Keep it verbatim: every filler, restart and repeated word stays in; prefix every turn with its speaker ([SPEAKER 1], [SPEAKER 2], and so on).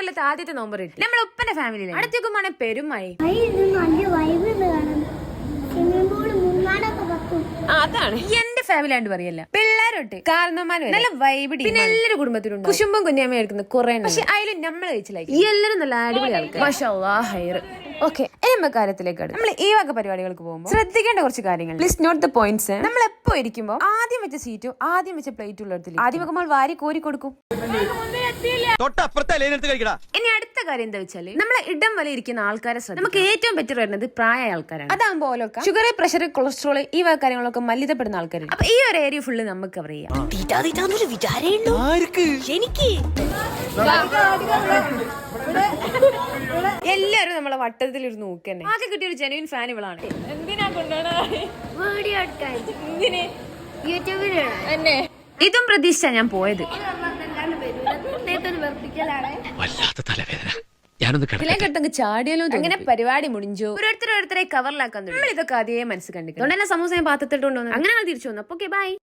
[SPEAKER 1] കൊല്ലത്തെ ആദ്യത്തെ നോമ്പ് കിട്ടി നമ്മളെ ഉപ്പന്റെ ഫാമിലിയിലെ അടുത്തേക്കുമാണ് പെരുമായി. അതാണ് എന്റെ ഫാമിലി ആണ്ട് പറയല്ല, പിള്ളേരോട്ട് കാരണന്മാര് നല്ല വൈബിടി, പിന്നെ എല്ലാവരും കുടുംബത്തിലുണ്ട്. കുശുമ്പും കുഞ്ഞാമ എടുക്കുന്ന കുറെ, പക്ഷെ അതിലും നമ്മൾ കഴിച്ചില്ല എല്ലാവരും നല്ല അടിപൊളി ആൾക്കാർ. മാഷാ അല്ലാഹ് ഹൈർ. ഓക്കെ, എമ്മ കാര്യത്തിലേക്ക് നമ്മൾ ഈ വക പരിപാടികൾക്ക് പോകുമ്പോൾ ശ്രദ്ധിക്കേണ്ട കുറച്ച് കാര്യങ്ങൾ. Please note the points. നമ്മൾ എപ്പോ ഇരിക്കുമ്പോൾ ആദ്യം വെച്ച സീറ്റും ആദ്യം വെച്ച പ്ലേറ്റും ഉള്ളടത്തിൽ ആദ്യം വെക്കുമ്പോൾ വാരി കോരി കൊടുക്കും. ഇനി അടുത്ത കാര്യം എന്താ വെച്ചാല് നമ്മളെ ഇടം വരെ ഇരിക്കുന്ന ആൾക്കാരെ ശ്രദ്ധ. നമുക്ക് ഏറ്റവും ബെറ്റർ വരുന്നത് പ്രായ ആൾക്കാരാണ്. അതാകുമ്പോ ഓലൊക്കെ ഷുഗർ, പ്രഷർ, കൊളസ്ട്രോൾ ഈ വക കാര്യങ്ങളൊക്കെ മല്ലിതപ്പെടുന്ന ആൾക്കാരുണ്ട്. അപ്പൊ ഈ ഒരു ഏരിയ ഫുള്ള് നമുക്ക് കവർ ചെയ്യാം. എല്ലാരും നമ്മളെ വട്ടത്തിൽ ഇരുന്ന് നോക്കന്നെ. ആകെ കിട്ടിയ ഒരു ജെനുവിൻ ഫാൻ ഇവളാണ്. എന്തിനാ ഇതും പ്രതീക്ഷ ഞാൻ പോയത്. ചാടിയാലോ അങ്ങനെ പരിപാടി മുടിഞ്ചു. ഓരോരുത്തർ ഓരോരുത്തരെ കവറിലാക്കാൻ നമ്മൾ ഇതൊക്കെ അതേ മനസ്സ് കണ്ടിട്ടുണ്ട്. അതുകൊണ്ട് തന്നെ സമൂസ പാത്രത്തിട്ടുണ്ടോ അങ്ങനെ തിരിച്ചു വന്നു. അപ്പൊ ഓക്കെ ബൈ.